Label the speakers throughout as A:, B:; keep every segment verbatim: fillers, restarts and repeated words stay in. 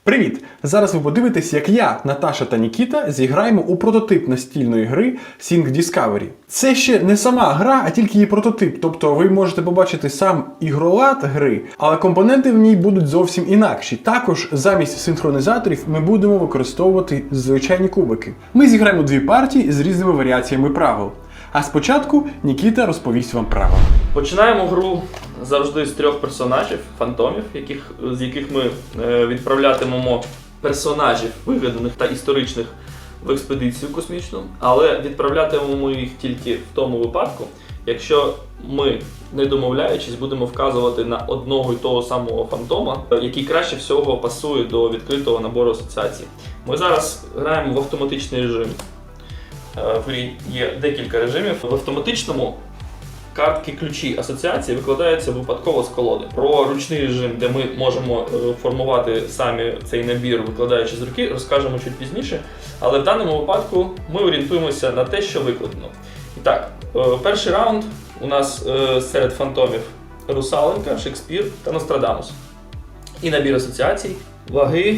A: Привіт! Зараз ви подивитесь, як я, Наташа та Нікіта зіграємо у прототип настільної гри Think Discovery. Це ще не сама гра, а тільки її прототип, тобто ви можете побачити сам ігролад гри, але компоненти в ній будуть зовсім інакші. Також замість синхронізаторів ми будемо використовувати звичайні кубики. Ми зіграємо дві партії з різними варіаціями правил. А спочатку Нікіта розповість вам правила.
B: Починаємо гру завжди з трьох персонажів, фантомів, яких, з яких ми е, відправлятимемо персонажів, вигаданих та історичних, в експедицію космічну, але відправлятимемо їх тільки в тому випадку, якщо ми, не домовляючись, будемо вказувати на одного і того самого фантома, який краще всього пасує до відкритого набору асоціацій. Ми зараз граємо в автоматичний режим. В грі є декілька режимів. В автоматичному картки ключі асоціації викладаються випадково з колоди. Про ручний режим, де ми можемо формувати самі цей набір, викладаючи з руки, розкажемо чуть пізніше. Але в даному випадку ми орієнтуємося на те, що викладено. І так, перший раунд у нас серед фантомів Русаленка, Шекспір та Нострадамус. І набір асоціацій, ваги,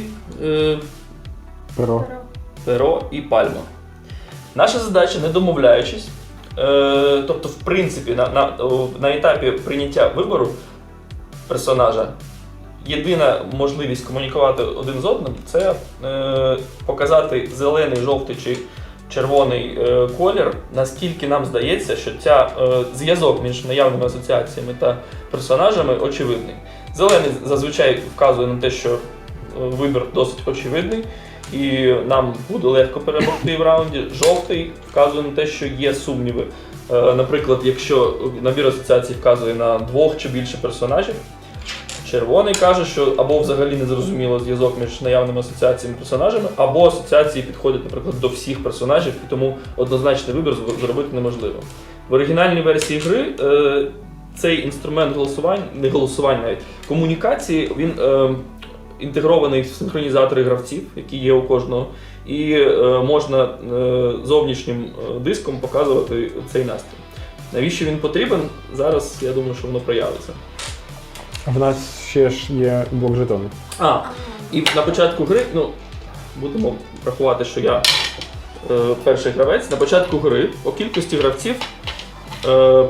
A: Перо,
B: перо і пальма. Наша задача, не домовляючись, е, тобто, в принципі, на, на, на етапі прийняття вибору персонажа, єдина можливість комунікувати один з одним – це е, показати зелений, жовтий чи червоний е, колір, наскільки нам здається, що ця е, зв'язок між наявними асоціаціями та персонажами очевидний. Зелений зазвичай вказує на те, що вибір досить очевидний, і нам буде легко перемогти в раунді. Жовтий вказує на те, що є сумніви. Наприклад, якщо набір асоціацій вказує на двох чи більше персонажів. Червоний каже, що або взагалі не зрозуміло зв'язок між наявними асоціаціями персонажами, або асоціації підходять, наприклад, до всіх персонажів, і тому однозначний вибір зробити неможливо. В оригінальній версії гри е, цей інструмент голосування, не голосування навіть, комунікації, він е, інтегрований в синхронізатори гравців, які є у кожного, і е, можна е, зовнішнім диском показувати цей настрій. Навіщо він потрібен? Зараз, я думаю, що воно проявиться.
A: В нас ще ж є блок жетонів.
B: А, і на початку гри, ну, будемо рахувати, що я е, перший гравець, на початку гри по кількості гравців е,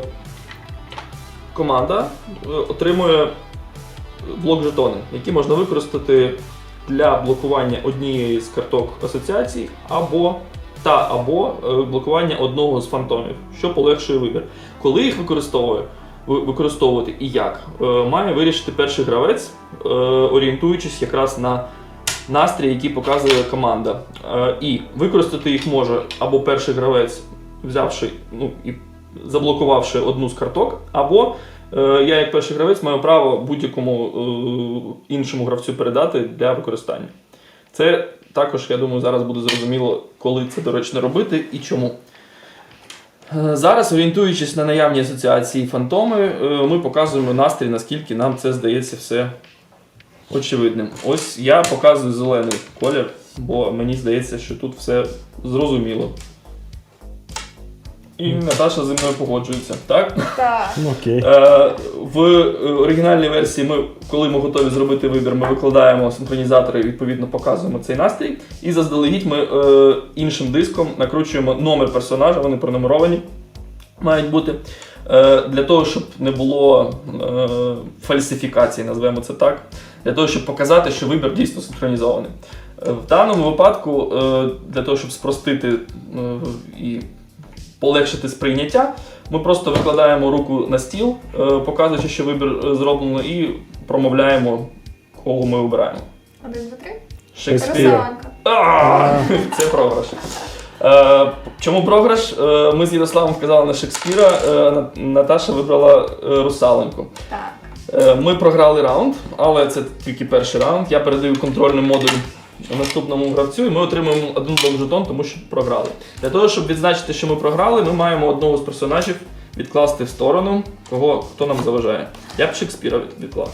B: команда е, отримує блок жетони, які можна використати для блокування однієї з карток асоціацій або та або блокування одного з фантомів, що полегшує вибір. Коли їх використовує, використовувати і як, має вирішити перший гравець, орієнтуючись якраз на настрій, який показує команда. І використати їх може або перший гравець, взявши, ну, і заблокувавши одну з карток, або я, як перший гравець, маю право будь-якому е, іншому гравцю передати для використання. Це також, я думаю, зараз буде зрозуміло, коли це доречно робити і чому. Е, зараз, орієнтуючись на наявні асоціації фантоми, е, ми показуємо настрій, наскільки нам це здається все очевидним. Ось я показую зелений колір, бо мені здається, що тут все зрозуміло. І Наташа зі мною погоджується, так?
C: Так.
A: Окей.
B: Е, в оригінальній версії, ми, коли ми готові зробити вибір, ми викладаємо синхронізатори і відповідно показуємо цей настрій. І заздалегідь ми е, іншим диском накручуємо номер персонажа, вони пронумеровані мають бути, е, для того, щоб не було е, фальсифікації, назвемо це так, для того, щоб показати, що вибір дійсно синхронізований. Е, в даному випадку, е, для того, щоб спростити е, і полегшити сприйняття, ми просто викладаємо руку на стіл, показуючи, що вибір зроблено, і промовляємо, кого ми обираємо.
C: Один, два, три.
B: Шекспір.
C: Русаленка.
B: Це програш. Чому програш? Ми з Ярославом вказали на Шекспіра, Наташа вибрала Русаленку.
C: Так.
B: Ми програли раунд, але це тільки перший раунд. Я передаю контрольний модуль наступному гравцю, і ми отримуємо один блок жетон, тому що програли. Для того, щоб відзначити, що ми програли, ми маємо одного з персонажів відкласти в сторону, кого, хто нам заважає. Я б Шекспіра відклав.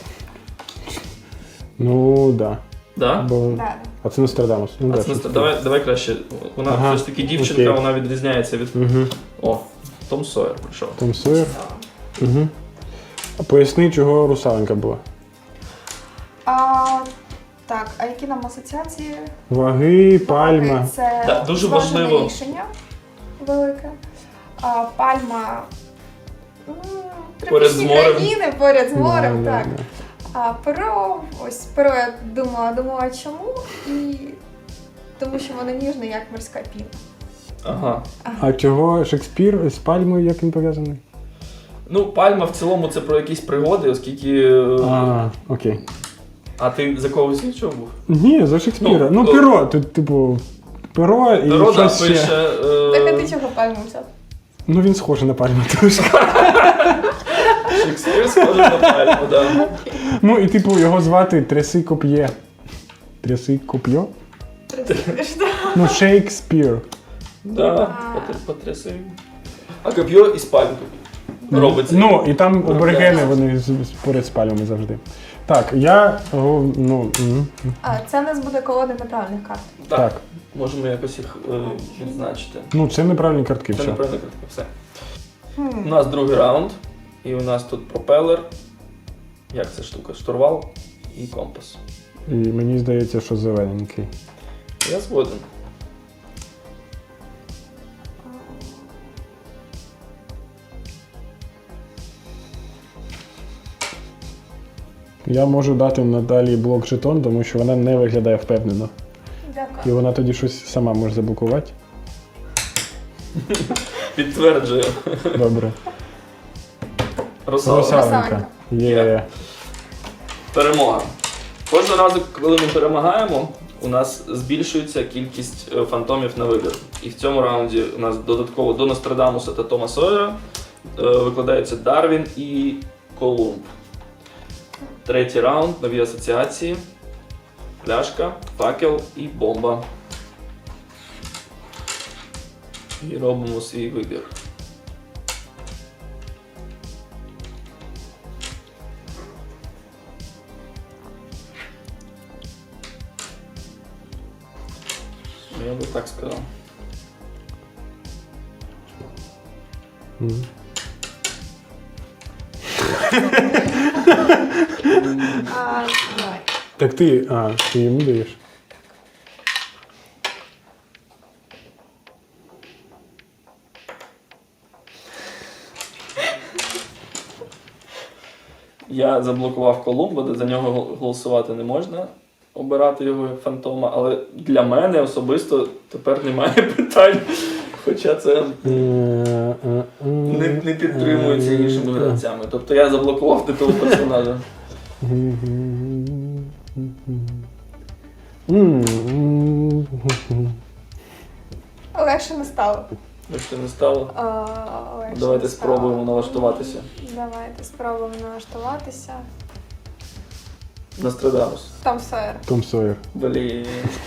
A: Ну, да.
B: Да?
A: Бо...
C: Да.
A: А це Нострадамус. Ну,
B: А
A: да,
B: це,
A: Шекспір.
B: давай, давай краще. Вона
A: Ага.
B: все ж таки дівчинка,
A: Окей.
B: вона відрізняється від...
A: Угу.
B: О, Том Сойер прийшов.
A: Том Сойер. Угу. А поясни, чого Русаленка була.
C: А, Так, а які нам асоціації?
A: Ваги, пальма.
C: Це
B: Да, дуже
C: зважене
B: важливо.
C: рішення велике. А, пальма. м,
B: Поряд з
C: тропічні
B: морем.
C: країни, поряд з морем,
A: Да, да,
C: так.
A: да.
C: А перо, ось перо я думала, думала чому? І тому що воно ніжне, як морська піна.
B: Ага.
A: А чого Шекспір з пальмою, як він пов'язаний?
B: Ну, пальма в цілому це про якісь пригоди, оскільки. е,
A: А, окей.
B: А ти за когось іншого був?
A: Ні, за Шекспіра.
B: Ну,
A: Ну,
B: о-
A: перо, тут, типу, перо і
B: Рода
A: щось ще.
B: пише. е,
C: Так, а ти чого пальму взяв?
A: Ну, він схожий на пальму трошки.
B: Шекспір схожий на пальму, да.
A: Ну, і типу, його звати Тряси Коп'є. Тряси Коп'є? Ну, Шекспір.
B: Да,
C: А.
B: потр- потряси. А коп'є із пальми робиться.
A: Ну, і там
B: Ну,
A: аборигени,
B: так.
A: вони з- з- поряд з пальмами завжди. Так, я, о, ну, м,
C: А, це в нас буде колода неправильних карт.
B: так.
A: так.
B: Можемо якось їх е, відзначити.
A: Ну, це неправильні картки,
B: Це
A: все.
B: неправильно картка, все. У
C: Хм.
B: нас другий раунд, і у нас тут пропелер. Як ця штука? Штурвал і компас.
A: І мені здається, що зелененький.
B: Я згоден.
A: Я можу дати Наталії блок жетон, тому що вона не виглядає впевнено. І
C: Дякую.
A: вона тоді щось сама може заблокувати.
B: Підтверджую.
A: Добре.
B: Русалка.
A: Русаленька. Є.
B: Перемога. Кожного разу, коли ми перемагаємо, у нас збільшується кількість е, фантомів на вибір. І в цьому раунді у нас додатково до Нострадамуса та Тома Сойера е, викладаються Дарвін і Колумб. Третій раунд, нові асоціації, пляшка, факел і бомба. І робимо свій вибір. Я би так сказав.
A: Мгм.
C: А, давай.
A: Так ти, а, ти йому даєш?
B: Я заблокував Колумба, де за нього гол- голосувати не можна, обирати його як фантома, але для мене особисто тепер немає питань. Хоча це не, не підтримується іншими гравцями. Тобто я заблокував титул персонажа.
C: Легше не стало.
B: Якщо не стало,
C: А, легше
B: давайте
C: не стало.
B: спробуємо налаштуватися.
C: Давайте спробуємо налаштуватися.
B: Нострадамус.
C: Там Сойер.
A: Том Сойер.
B: Блін.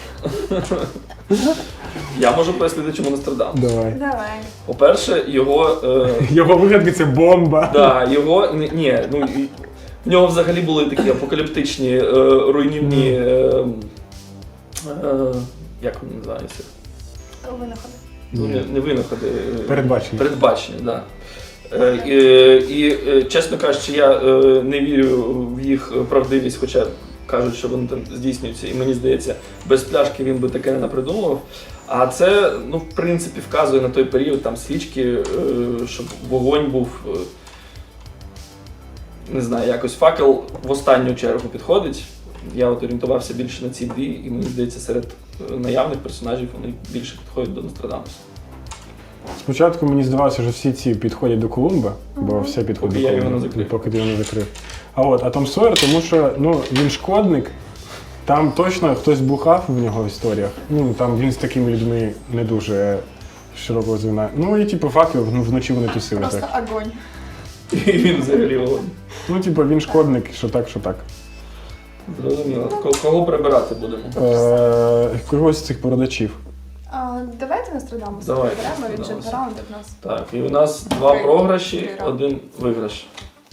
B: Я можу пояснити, чому Нострадамус.
A: Давай.
C: Давай.
B: По-перше, його. Е,
A: Його вигадки це бомба.
B: Да, його ні, ні, ну і в нього взагалі були такі апокаліптичні е, руйнівні. Е, е, як вони називаються?
C: Винаходи.
B: Ну, не, не винаходи. е,
A: Передбачення.
B: Передбачення, так. Да. Е, і, і, е, чесно кажучи, я е, не вірю в їх правдивість, хоча кажуть, що вони там здійснюються. І мені здається, без пляшки він би таке не напридумував. А це, ну, в принципі, вказує на той період там свічки, е, щоб вогонь був. Е, не знаю, якось факел в останню чергу підходить. Я от орієнтувався більше на ці дві, і мені здається, серед е, наявних персонажів вони більше підходять до Нострадамуса.
A: Спочатку мені здавалося, що всі ці підходять до Колумба, бо все підходить
B: Поки
A: до
B: я
A: Колумба,
B: його не закрив.
A: поки ти його не закрив. А от, а Том Сойер, тому що ну, він шкодник, там точно хтось бухав в нього в історіях. Ну, там він з такими людьми не дуже широкого звіна. Ну і типу факел, ну, вночі вони тусили
C: Просто
A: так.
C: огонь.
B: І він взагалі вогонь.
A: Ну, типу, він шкодник, що так, що так.
B: Зрозуміло. Ко- Кого прибирати будемо?
A: Е, когось з цих продачів.
C: А, давайте Нострадамуса
B: Давай,
C: приберемо, він же
B: Нострадамуса.
C: два раунди в нас.
B: Так, і у нас два
C: Три.
B: програші,
C: Три раунди.
B: один виграш.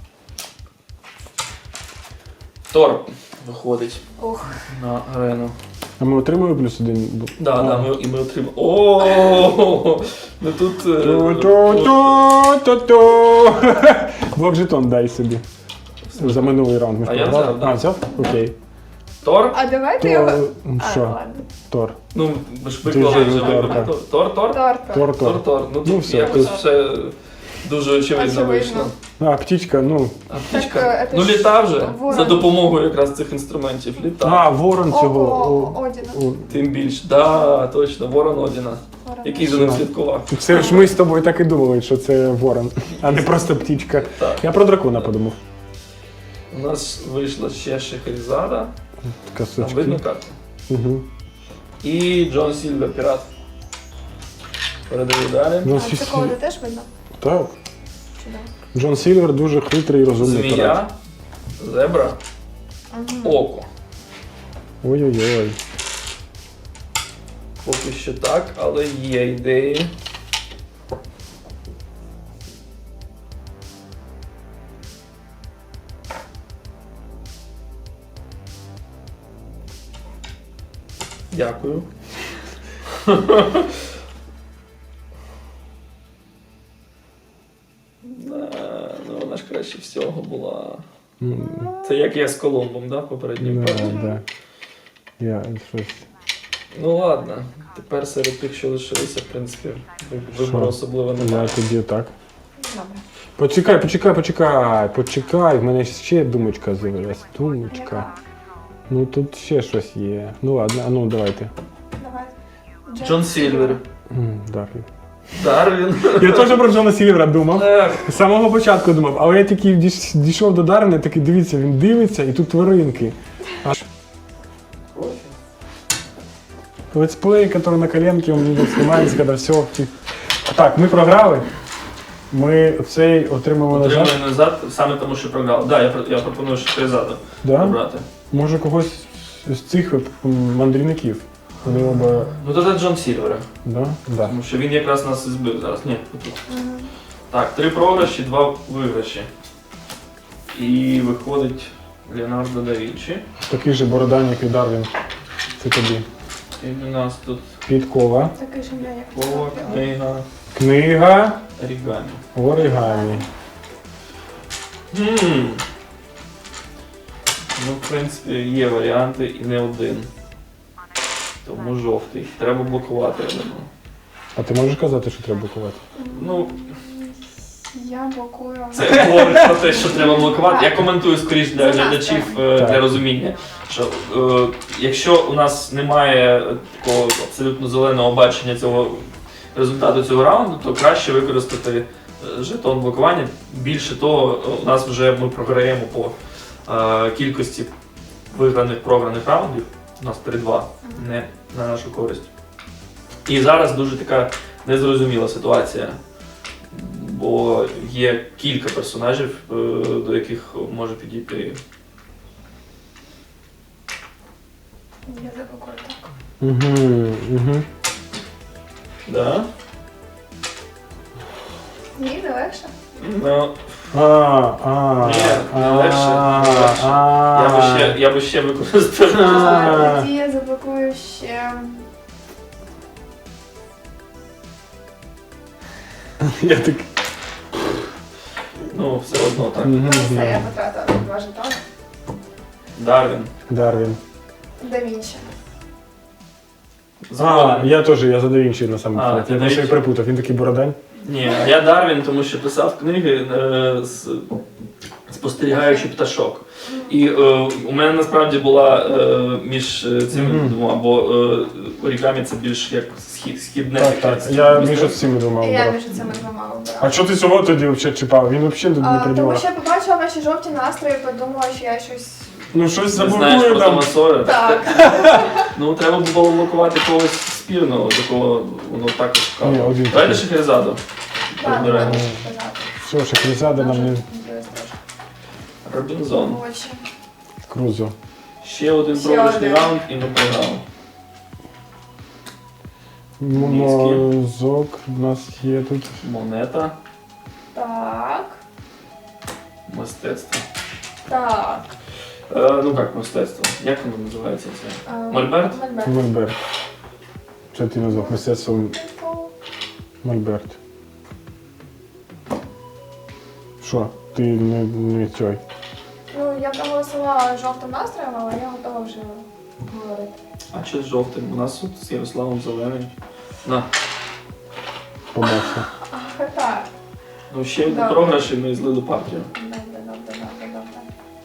B: Тор виходить
C: Ох.
B: на арену.
A: А ми отримуємо плюс один?
B: Да,
A: А.
B: да, ми, і ми отримали. О, ну тут. е,
A: Ту-ту-ту-ту-ту. Блок жетон дай собі. За минулий раунд ми ж
B: А я
A: програли.
B: взяв, да.
A: А, взяв? Окей.
B: Тор?
C: А давайте
A: То
C: його. А,
A: що?
C: ладно.
A: Тор.
B: Ну, ви ж
A: Ти
B: виклали
A: вже
B: вже
A: Тор,
B: виконали.
A: так.
B: Тор, Тор?
C: Тор,
A: Тор,
C: Тор.
B: Тор,
A: Тор.
B: Тор. Ну,
A: Ну,
B: тут
A: все,
B: якось
A: тут-
B: все дуже очевидно
C: Очевидно.
B: вийшло.
A: А, птічка, ну.
B: А
C: Так,
B: птичка?
C: е, це
B: Ну,
C: ж
B: літа вже.
C: ворон.
B: За допомогою якраз цих інструментів. Літа.
A: А, ворон
C: О,
A: цього.
C: о,
A: о,
C: Одіна.
A: о.
B: Тим більше. Да, точно, Ворон Одіна.
C: Ворон.
B: Який за ним слідкував.
A: Це ж ми з тобою так і думали, що це ворон, а не просто птічка.
B: Так.
A: Я про дракона подумав.
B: У нас вийшла ще Шахерезада. Там
A: Косички.
B: видно карту.
A: Угу.
B: І Джон Сільвер, пірат. Передаю далі.
A: Джон,
C: А
A: Сі-
C: такого ти теж видно?
A: так.
C: Чудово.
A: Джон Сільвер дуже хитрий і розумний пірат.
B: Змія, зебра,
C: Угу.
B: око.
A: Ой-ой-ой.
B: Поки що так, але є ідеї. Дякую. Да, ну вона ж краще всього була.
A: М,
B: Це як я з Колумбом, да, в попередній
A: Да,
B: партії?
A: да. Я щось.
B: Ну ладно, тепер серед тих, що лишилися, в принципі, вибору
A: Що?
B: особливо
A: Я
B: немає.
A: тоді так.
C: Добре.
A: Почекай, почекай, почекай, почекай. В мене ще думочка з'явилась. Думочка.
C: Яка?
A: Ну тут ще щось є. Ну ладно, а ну давайте.
C: Давай.
B: Джон Сільвер.
A: М, Дарвін.
B: Дарвін.
A: Я теж про Джона Сільвера думав.
B: Ех,
A: З самого початку думав, але я тільки дійш- дійшов до Дарвіна, такий дивіться, він дивиться і тут тваринки. Аж летсплей, який на коленке, у мене знімається, коли все. Так, ми програли. Ми цей отримали назад.
B: Отримую назад саме тому, що програв. Да, я, про- я пропоную Шахерезаду
A: Да?
B: обрати.
A: Може когось з цих от, м, мандрівників. Вони оба.
B: Ну тоді Джон Сільвера,
A: Да? Да.
B: тому що він якраз нас і збив зараз. Ні, отут.
C: Мгм.
B: Так, три програші, два виграші. І виходить Леонардо да Вінчі.
A: Такий же бородан, як і Дарвін. Це тобі.
B: І у нас тут
A: Підкова.
C: Такий же я, як
B: кова,
C: Скорпіон.
B: книга,
A: Книга
B: орігамі.
A: оригамі.
B: Хм. Ну, в принципі, є варіанти і не один. Тому жовтий. Треба блокувати, я думаю.
A: А ти можеш казати, що треба блокувати?
B: Ну,
C: Я блокую.
B: це говорить про те, що треба блокувати. Я коментую скоріш для
C: За нас,
B: глядачів е,
A: так.
B: для розуміння, що е, якщо у нас немає такого абсолютно зеленого бачення цього результату цього раунду, то краще використати е, жетон блокування. Більше того, у нас вже ми програємо по е, кількості виграних програних раундів. У нас три-два, не на нашу користь. І зараз дуже така незрозуміла ситуація. Бо є кілька персонажів, е, до яких може підійти.
C: Я заблокую так.
A: Угу, угу.
B: Да?
C: Ні, не легше.
B: Ну,
A: А, а,
B: Ні, не
A: а,
B: легше, не легше.
A: а.
B: я би ще, я би ще використав.
A: А.
C: Тоді я заблокую ще.
A: Я так.
B: Ну, все одно так.
A: Мгм,
C: Ну, все, я
A: да.
C: потратила два жетони.
B: Дарвін.
A: Дарвін.
C: Да Вінчі.
A: А,
B: Згоден.
A: я теж, я за Да Вінчі на самому
B: А,
A: кінці.
B: ти
A: Я
B: Да
A: просто
B: Вінчі?
A: перепутав, він такий бородань.
B: Ні, я Дарвін, тому що писав книги е, з спостерігаючи пташок. І е, у мене насправді була е, між е, цими
A: Мгм.
B: двома, бо е, орігамі це більш як схід, східне.
A: Так, так.
B: таке
A: Я
B: мистецтво.
A: між цими двома
C: І я
A: обрав.
C: між цими двома обирала.
A: А чого ти цього тоді взагалі чіпав? Він взагалі тут не
C: А, тому
A: приділа.
C: що я побачила ваші жовті настрої, подумала, що я щось.
A: Ну щось
B: Ти знаєш
A: заблокує
B: про
A: там.
B: Тома Сойера?
C: Так.
B: Ну, треба було блокувати когось спірного, такого воно також
A: Ні,
B: вказано.
A: один
B: Давайте
A: такий.
B: Шахерезаду.
C: Так,
B: Розбираємо.
C: можеш сказати.
A: Все, Шахерезада нам не
B: Робінзон.
C: Очі.
A: крузо.
B: Ще один
C: Ще
B: програшний
C: один.
B: раунд і ми програли.
A: Мозок у нас є тут.
B: Монета,
C: Так.
B: мистецтво.
C: Так.
B: Е, ну як мистецтво? Як воно називається це?
C: А,
B: Мольберт?
C: Мольберт.
A: Мольберт. Що ти назвав? Мистецтво Мольберт. Що? Ти не, не цей.
C: Ну, я проголосувала жовтим настроєм, але я готова вже говорити.
B: А що з жовтим? У нас тут з Ярославом зелений. На.
A: Побачу.
C: Ах, так.
B: Ну ще один
C: Добре.
B: програш і ми злили партію.
C: Добре, добре, добре, добре.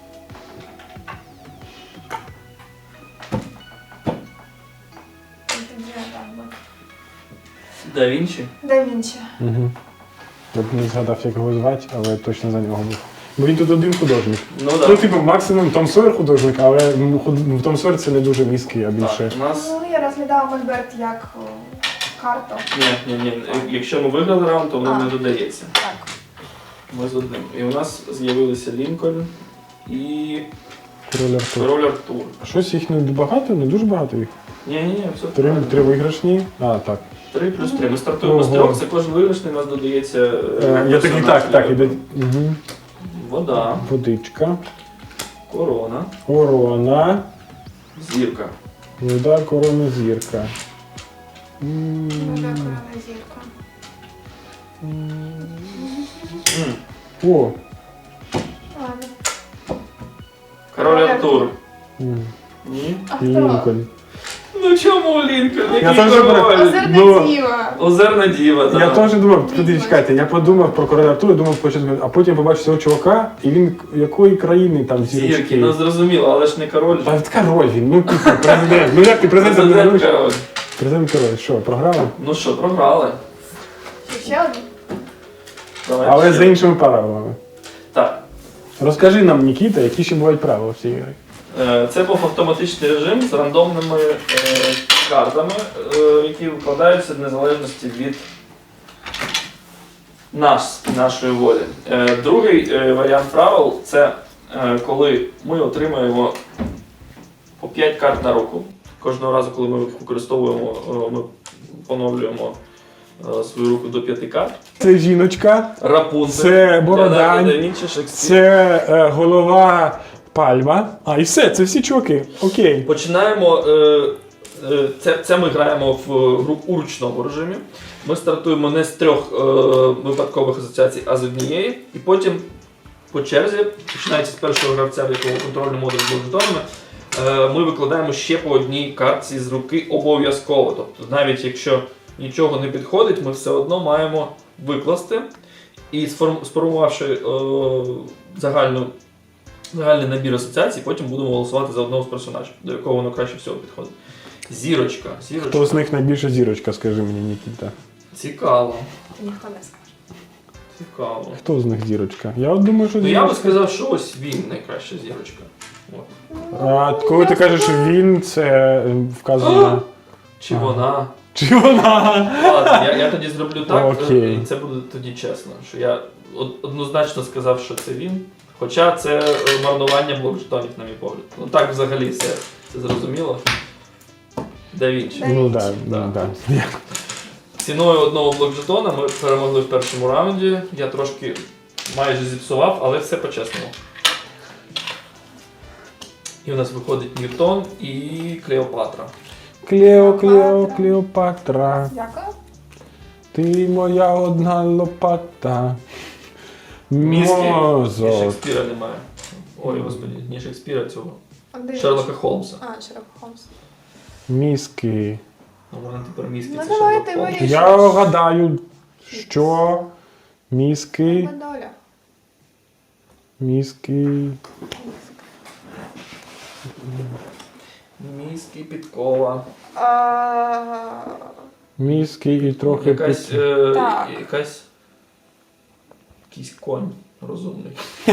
C: І тоді отак буде.
B: Да Вінчі.
C: Да Вінчі.
A: Угу. Я б не згадав, як його звати, але точно за нього був. Бо він тут один художник.
B: Ну
A: Ну,
B: так.
A: типу, максимум Том Сойер художник, але ну, худ- в Том Сойер це не дуже мізкий, а більше.
B: Так, у нас.
C: Ну, я розглядала Мольберт як о, карту.
B: Ні, ні, ні. Якщо ми виграли раунд, то воно
C: А.
B: не додається.
C: Так.
B: Ми з одним. І у нас з'явилися Лінкольн і
A: Король Артур.
B: Король Артур.
A: Щось їх не багато, не дуже багато їх.
B: Ні, ні, ні, все
A: Три,
B: правильно.
A: три виграшні. А, так.
B: Три плюс три. Ми стартуємо з
A: Ого.
B: трьох, це кожен виграшний, у нас додається. е,
A: Е, я такий,
B: персонаж.
A: так, так, іде. Угу.
B: Вода,
A: Водичка.
B: корона,
A: Корона.
B: зірка.
A: Вода, корона, зірка. М,
C: Вода, корона, зірка.
B: М.
A: О.
C: Ладно.
B: Король Артур.
A: М,
B: Ні.
C: А хто?
A: Лінкольн.
B: Ну чому Лінкольн?
A: Я
B: Який
A: теж
B: король?
C: Озерна
A: Ну,
C: діва.
B: Озерна діва, так.
A: Я теж думав,
C: Ні,
A: куди
C: ні.
A: чекайте, я подумав про короля Артура, думав спочатку, а потім побачив цього чувака, і він якої країни там
B: Зірки,
A: зірочки.
B: ну зрозуміло, але ж не король.
A: А от король він, ну типу, президент. Ну як ти президент не
B: Президент
A: говориш?
B: король.
A: Президент король, що, програли?
B: Ну що, програли.
C: Ще один?
B: Давай
A: Але
B: ще.
A: за іншими правилами.
B: Так.
A: Розкажи нам, Нікіта, які ще бувають правила в цій грі.
B: Е, Це був автоматичний режим з рандомними е, картами, е, які викладаються в незалежності від нас, нашої волі. Е, Другий е, варіант правил це е, коли ми отримуємо по п'ять карт на руку. Кожного разу, коли ми їх використовуємо, е, ми поновлюємо е, свою руку до п'яти карт.
A: Це жіночка,
B: Рапунцель.
A: Це Бородань.
B: Леонардо да Вінчі, Шекспір.
A: це е, голова Пальма. А, і все, це всі чуваки. Окей.
B: Починаємо. Е, е, це, це ми граємо в гру у ручному режимі. Ми стартуємо не з трьох е, випадкових асоціацій, а з однієї. І потім по черзі, починаючи з першого гравця, в якого контрольний модуль з жетонами, е, ми викладаємо ще по одній картці з руки обов'язково. Тобто навіть якщо нічого не підходить, ми все одно маємо викласти. І сформ- сформувавши е, загальну загальний набір асоціацій, потім будемо голосувати за одного з персонажів, до якого воно краще всього підходить. Зірочка. Зірочка.
A: Хто з них найбільша зірочка, скажи мені, Нікіта.
B: Цікаво.
C: Ніхто не скаже.
B: Цікаво.
A: Хто з них зірочка? Я от думаю, що
B: Ну я би
A: зірочка.
B: сказав, що ось він найкраща зірочка. От.
A: А коли ти кажеш він, це е, вказує на...
B: Чи
A: Ага.
B: вона.
A: Чи вона?
B: Ладно, я, я тоді зроблю так,
A: Окей.
B: і це буде тоді чесно, що я од- однозначно сказав, що це він. Хоча це е, марнування блок жетонів, на мій погляд. Ну так взагалі все це зрозуміло. Да Вінчі.
C: Да.
A: Ну так,
B: Да.
A: да, да.
B: Ціною одного блок жетона ми перемогли в першому раунді. Я трошки майже зіпсував, але все по-чесному. І у нас виходить Ньютон і Клеопатра.
A: Клео, Клео, Клеопатра,
C: Дякую.
A: ти моя одна лопата.
B: Мізки і
A: Мозок.
B: Шекспіра немає. Ой, господи, не Шекспіра, цього.
C: А де
B: Шерлока
C: він?
B: Холмса.
C: А, Шерлок Холмс.
A: Мізки.
B: Ну, вона тепер мізки,
C: Ну,
B: це
C: давайте
B: Шерлок Холмс.
C: ви-
A: Я гадаю, що мізки,
C: Доля.
A: мізки.
B: Мізки, підкова.
C: А,
A: Мізки і трохи
B: Якась,
A: під-
B: е,
C: Так.
B: якась... Якийсь конь розумний.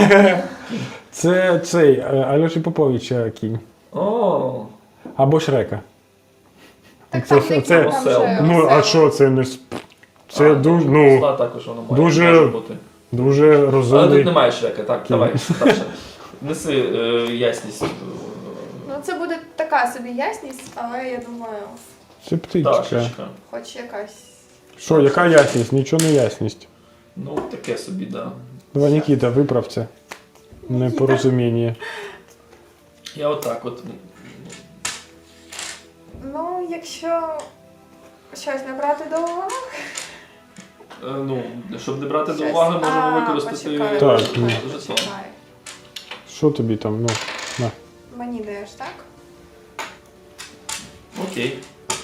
A: Це цей е, Альоші Поповича кінь.
B: О,
A: Або Шрека.
C: Так
A: Це-
C: там не
A: це-
C: кінь, там
B: Осел.
C: же
A: Ну, а
C: осел.
A: що це не сп- Це
B: а,
A: дуже,
B: осла
A: ну,
B: також воно має,
A: дуже
B: може бути.
A: дуже
B: Але тут
A: розумний.
B: немає Шрека, так,
A: Кінь.
B: давай, старше. Неси е, ясність.
C: Ну, це буде така собі ясність, але я думаю,
A: Це птичка.
B: Пташечка.
C: хоч якась.
A: Що, яка ясність? Нічого не ясність.
B: Ну, таке собі, да.
A: Давай, Нікіта, виправ це. Непорозуміння.
B: Я отак от.
C: Ну, якщо щось не брати до уваги.
B: е, Ну, щоб не брати до
C: Щось-
B: уваги, можемо
C: А,
B: використати
C: почекай,
A: Так,
C: почекай,
B: жетон.
C: почекай.
A: Що тобі там? Ну, на.
C: Мені даєш, так?
B: Окей.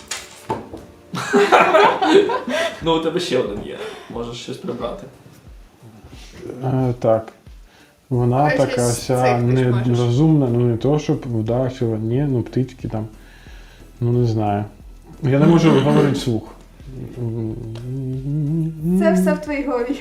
B: Ну, у тебе ще один є. Можеш щось прибрати.
A: Е, так. Вона
C: Давай
A: така
C: щось
A: вся
C: цикнеш, можеш.
A: нерозумна, ну не то, щоб вдачила, ні, ну птички там. Ну не знаю. Я не можу говорити вслух.
C: Це все в твоїй голові.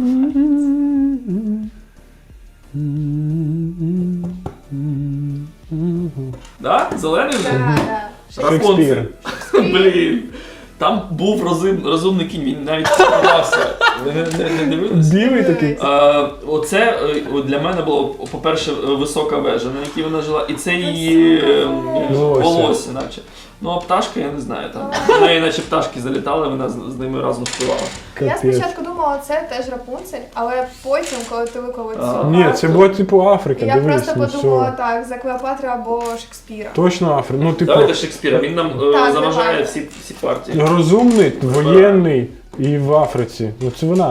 B: Да? Зелений вже?
C: Так, так.
B: Рапунцель.
A: Шекспір.
B: Блін. Там був розум, розумний кінь, він навіть подався. Ви не, не, не дивились?
A: Білий такий.
B: А, оце е, для мене було, по-перше, висока вежа, на якій вона жила, і це її е,
A: Волосся.
B: волосся, наче. Ну, а пташка, я не знаю, там. В неї наче пташки залітали, вона з, з ними разом співала.
C: Я
A: Капець.
C: спочатку думала, це теж Рапунцель, але потім, коли ти виклав
B: А.
C: цю
A: Ні,
C: карту,
A: це було типу Африка,
C: я
A: дивись,
C: просто
A: ну
C: подумала
A: все.
C: так, за Клеопатру або Шекспіра.
A: Точно Африка. Ну, типу,
B: Давайте Шекспіра, він нам е,
C: Так,
B: заважає
C: давай.
B: всі, всі партії.
A: розумний, воєнний і в Африці. Ну це вона.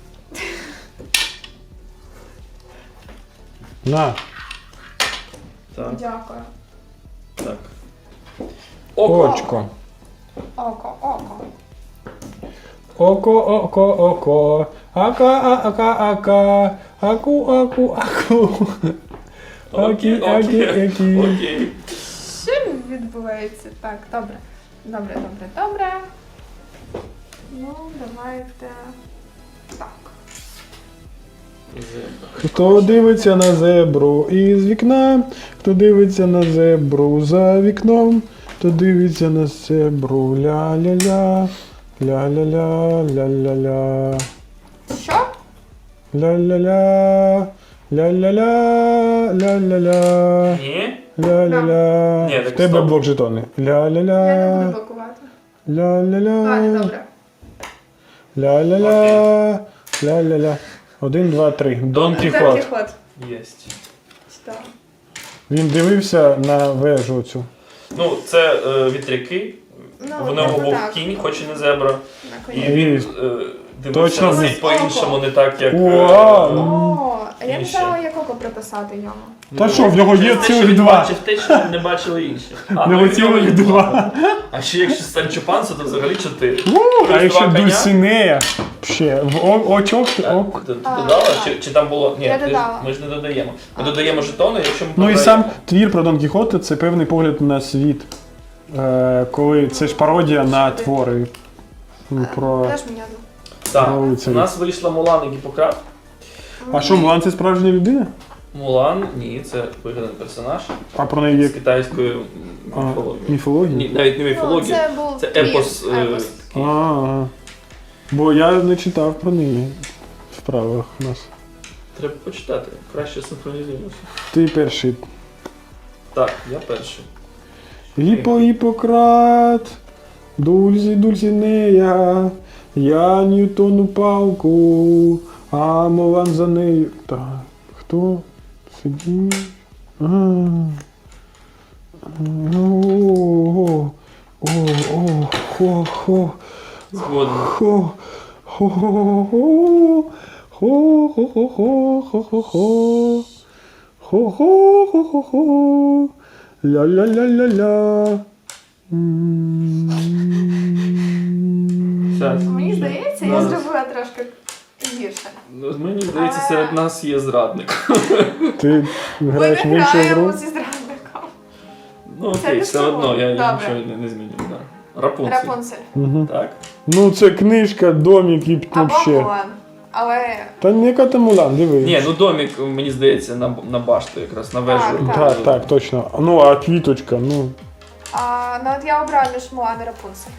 A: На.
B: Так,
C: Дякую.
B: так. Око.
A: Очко.
C: Око, око.
A: Око, око, око. Ака, ака, ака. Аку, аку, аку.
B: Окей,
A: Акі, акі,
B: окей,
A: акі.
B: окей.
C: Що відбувається? Так, добре. Добре, добре, добре. Ну, давайте. Так.
A: Хто дивиться на зебру із вікна, хто дивиться на зебру за вікном, хто дивиться на зебру ля-ля-ля, ля-ля-ля, ля-ля-ля,
C: Що?
A: ля-ля-ля, ля-ля-ля, ля-ля-ля,
B: Ні?
A: ля-ля-ля.
B: Ні,
A: В
B: так
A: тебе
B: стоп.
A: блок жетони.
C: Я не буду
A: Ля-ля-ля,
C: блокувати.
A: ля-ля-ля,
C: Ладно, добре.
A: ля-ля-ля, ля-ля-ля. Один, два, три. Дон
B: Дон
C: Дон
A: Кіхот.
C: Кіхот.
B: Єсть.
C: Що?
A: Він дивився на вежу цю.
B: Ну, це е, вітряки.
C: Ну,
B: В нього
C: типу
B: був
C: так.
B: кінь, хоч і не зебра.
C: На
B: І
C: коні.
B: він е, дивився
A: Точно
B: на світ
C: він-
B: по-іншому, не так, як. е,
A: Вау!
C: О, а я не
B: Інше.
C: знала, як око приписати йому.
A: Та що, в нього є
B: Через те, що
A: цілих
B: він
A: два.
B: бачив те, що не бачили інші. А,
A: В нього
B: ну, і
A: цілих
B: є
A: два.
B: А ще якщо Санчо Панса, то взагалі чотири.
A: А
B: Плюс
A: якщо
B: два коня.
A: Дульсинея, ще в о- очок, ок.
B: Ти, ти
C: А,
B: додала?
C: так.
B: Чи, чи там було. Ні,
C: Я
B: ти ж-
C: додала.
B: ми ж не додаємо. Ми
C: А.
B: додаємо жетони, якщо ми
A: Ну і
B: програємо.
A: сам твір про Дон Кіхота це певний погляд на світ. Е, коли це ж пародія на твори. Ну, про...
C: Теж мені одну.
B: Так,
A: про
B: у
A: лицарів.
B: нас вийшла Мулан і Гіппократ.
A: А що, Мулан це справжня людина?
B: Мулан, ні, це вигаданий персонаж
A: А про неї є
B: з китайської
A: а,
B: міфології.
A: міфологія?
B: Ні, навіть не
C: Ну,
B: міфологія.
C: це був
B: Це
C: твір,
B: епос, е,
C: епос.
A: А, ага. Бо я не читав про неї в правилах у нас.
B: Треба почитати, краще синхронізуємося.
A: Ти перший.
B: Так, я перший.
A: Гіпо Гіппократ, Дульзі Дульсінея, я Ньютону палку, а Мулан за нею. Так, хто сидів? А. О, о, о, хо, хо,
B: Згоден.
A: хо, хо, хо, хо, хо, хо, хо, хо, хо, хо, хо, хо, хо, хо, хо, хо. Ля-ля-ля-ля-ля. М.
B: Щас.
C: Мені здається, я
B: Зараз.
C: зробила трошки гірше.
B: Ну, мені здається,
C: А.
B: серед нас є зрадник.
A: Ти
C: Ми
A: граєш
C: не
A: в іншу
C: граємо
A: гру?
C: зі зрадником.
B: Ну
C: Це
B: окей,
C: не
B: все
C: слово.
B: одно, я, я
C: Добре.
B: нічого не, не зміню. Да. Рапунцель.
C: Рапунцель.
A: Угу.
B: Так?
A: Ну це книжка, домик і
C: Або
A: вообще.
C: Мулан. Але
A: Та не яка там Мулан, диви.
B: Ні, ну домик, мені здається, на, на башту якраз, на вежу.
C: Так,
A: Так, так, точно. Ну, а квіточка, ну.
C: а, ну от я обрала між Мулан і Рапунцель.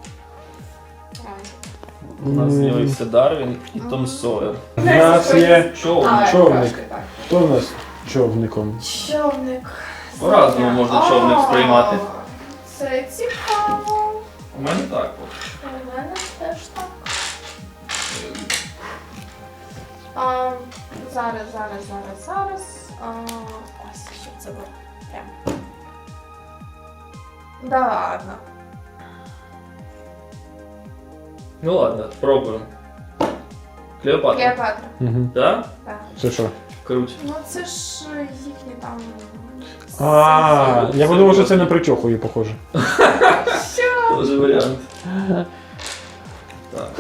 B: У нас з'явився Дарвін і Том Сойер.
A: У нас є
B: Човник.
C: А,
A: човник.
C: трошки так.
A: Хто у нас човником?
C: Човник.
B: По-разному можна човник
C: О,
B: сприймати.
C: Це цікаво.
B: У мене так. От.
C: У мене теж так. А, зараз, зараз, зараз, зараз. А, ось, що це було. Прям. Да ладно.
B: Ну ладно, спробуємо. Клеопатра.
C: Клеопатра.
A: Угу.
B: Так?
C: Так.
A: Це що?
B: Круть.
C: Ну це ж їхні там.
A: А,
B: Це-
A: я
B: це
A: подумав, що
B: було-
A: це на причоху її похоже.
B: Тоже варіант. Так.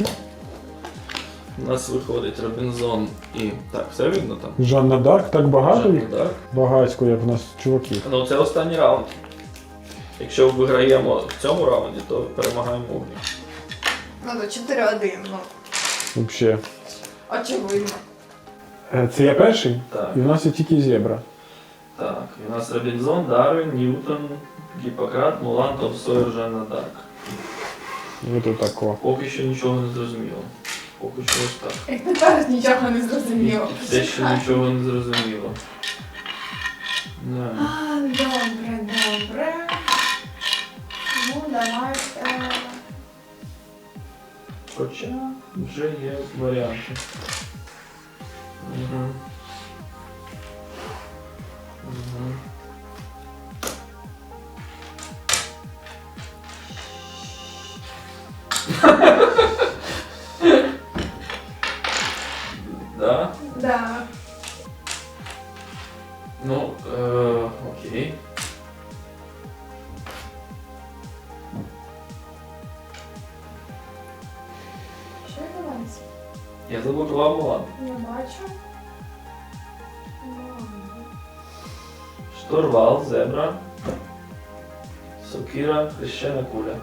B: У нас виходить Робінзон і. Так, все видно там?
A: Жанна Дарк, так багато їх?
B: Так.
A: Багацько, як в нас чуваків.
B: Ну це останній раунд. Якщо виграємо в цьому раунді, то перемагаємо у грі.
C: Ну то чотири один, ну.
A: Взагалі.
C: Очевидно.
A: Е, Це я перший?
B: Так.
A: І в нас є тільки зебра.
B: Так, і у нас Робінзон, Дарвін, Ньютон, Гіппократ, Мулан, Том Сойер, Жанна Дарк.
A: І тут тако.
B: Поки що нічого не зрозуміло. Поки що ось так.
C: Як тепер нічого не зрозуміло.
B: Все ще нічого не зрозуміло. Да.
C: А, добре, добре. Ну, давайте.
B: Хоча вже є варіанти. Угу. Угу. Да?
C: Да.
B: Ну, е, окей.
C: Що відбувається?
B: Я заблокував Мулан.
C: Не бачу.
B: Штурвал, зебра, сокира, хрещена куля.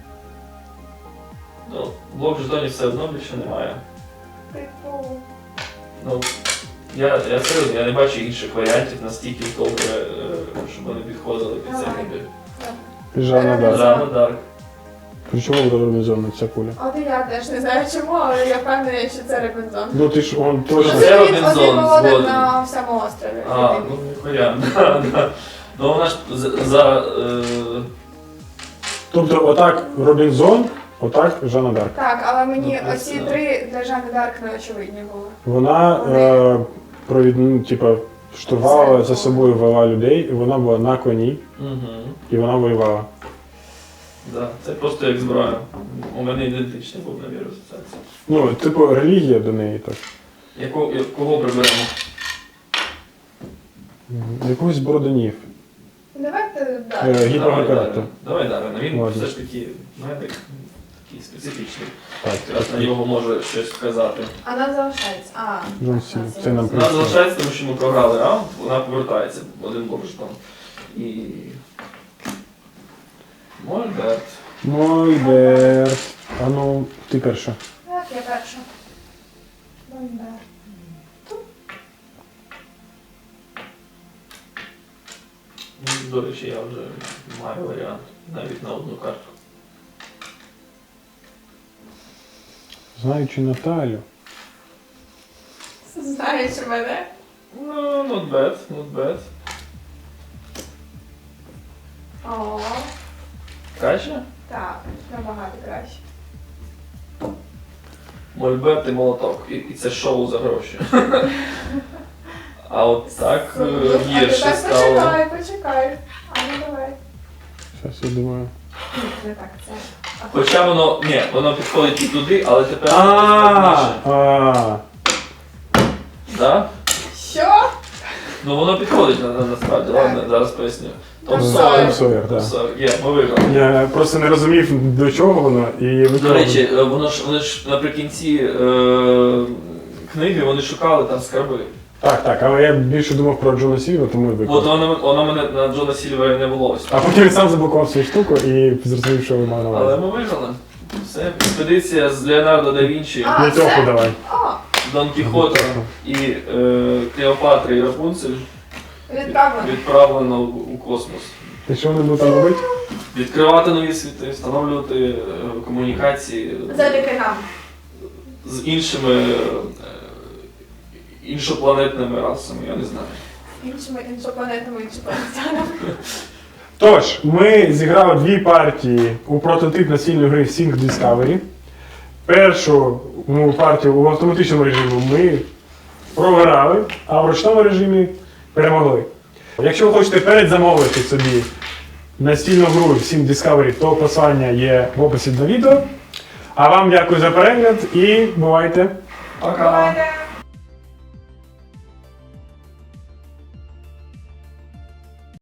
B: Ну, блок жетонів все одно більше немає.
C: Типу.
B: Ну, я, я серйозно, я не бачу інших варіантів настільки добре, е, щоб вони підходили під цей
C: Давай.
B: набір.
A: Жанна Дарк.
B: Жанна Дарк.
A: При чому буде Робінзон ця куля?
C: От і я теж не знаю чому, але я впевнена, що це Робінзон.
A: Ну ти ж он
B: Ну,
A: точно.
B: це
C: він
B: Робінзон,
C: один молодик
B: згоден.
C: на всьому острові.
B: А, ну варіант, да, да. Ну вона ж за, за е,
A: Тобто отак Робінзон, отак Жанна Дарк.
C: Так, але мені
B: Ну,
C: оці
B: да.
C: три для Жанни Дарк не очевидні були.
A: Вона е, провід, ну, типа, штурвала за собою вела людей, і вона була на коні,
B: угу.
A: і вона воювала.
B: Да, це просто як зброя. У мене ідентичний був набір асоціації.
A: Ну, типу, релігія до неї так.
B: Яку, я- кого приберемо?
A: Якогось з Бороданів.
C: Давайте
A: Е,
C: далі.
A: Гіппократа.
B: Давай Дарвіна, він
A: Ладно.
B: все ж таки медик, такий специфічний.
A: Так,
B: Якраз на нього може щось сказати.
C: А нам залишається. А,
A: Джон
C: так,
A: Сіна.
C: нас
A: Це нам
B: Вона залишається, тому що ми програли раунд, вона повертається один бобштон. І. Мольберт.
A: Мольберт. А ну, ти перша.
C: Так, я перша. Бомбер.
B: Ну, до речі, я вже маю варіант навіть на одну карту.
A: Знаючи Наталю.
C: Знаєш мене?
B: Ну, not bad, not bad.
C: О,
B: Краще?
C: так, набагато краще.
B: Мольберт і молоток. І, і це шоу за гроші. А от так е,
C: Ну, а
B: гірше
C: тепер
B: стало.
C: Почекай, почекай. А ну давай.
A: Зараз я думаю.
C: Ні, не так, це. А
B: Хоча воно, ні, воно підходить і туди, але тепер
A: А,
B: складніше.
A: а,
B: Да?
C: Що?
B: Ну воно підходить на, на, насправді,
C: Так.
B: ладно, зараз поясню. Том
C: Том
B: Сойер.
C: Сойер.
A: Том Сойер,
B: Том
A: так.
B: Сойер. Є, ми виграли.
A: Я просто не розумів, до чого воно, і
B: До
A: виконав.
B: речі, е, воно ж вони ж наприкінці е, книги вони шукали там скарби.
A: Так, так, але я більше думав про Джона Сільва, тому і
B: От
A: виконав.
B: воно, воно мене на Джона Сільвера не було ось.
A: А потім він сам заблокував свою штуку і зрозумів, що ви мав на
B: Але
A: увазі.
B: ми виграли. Все, експедиція з Леонардо да Вінчі,
C: А,
A: П'ятьоху
C: це?
A: давай.
C: О,
B: Дон Кіхота і е, Клеопатра і Рапунцель
C: відправлено.
B: відправлено у космос.
A: І що вони будуть там робити?
B: Відкривати нові світи, встановлювати е, комунікації
C: Завдяки нам.
B: з іншими е, іншопланетними расами, я не знаю.
C: Іншими іншопланетами, іншопланетянами.
A: Тож, ми зіграли дві партії у прототип настільної гри Sync Discovery. Першу ну, партію в автоматичному режимі ми програли, а в ручному режимі перемогли. Якщо ви хочете передзамовити собі настільну гру Sync Discovery, то посилання є в описі до відео. А вам дякую за перегляд і бувайте!
B: Пока!
C: Бувайте!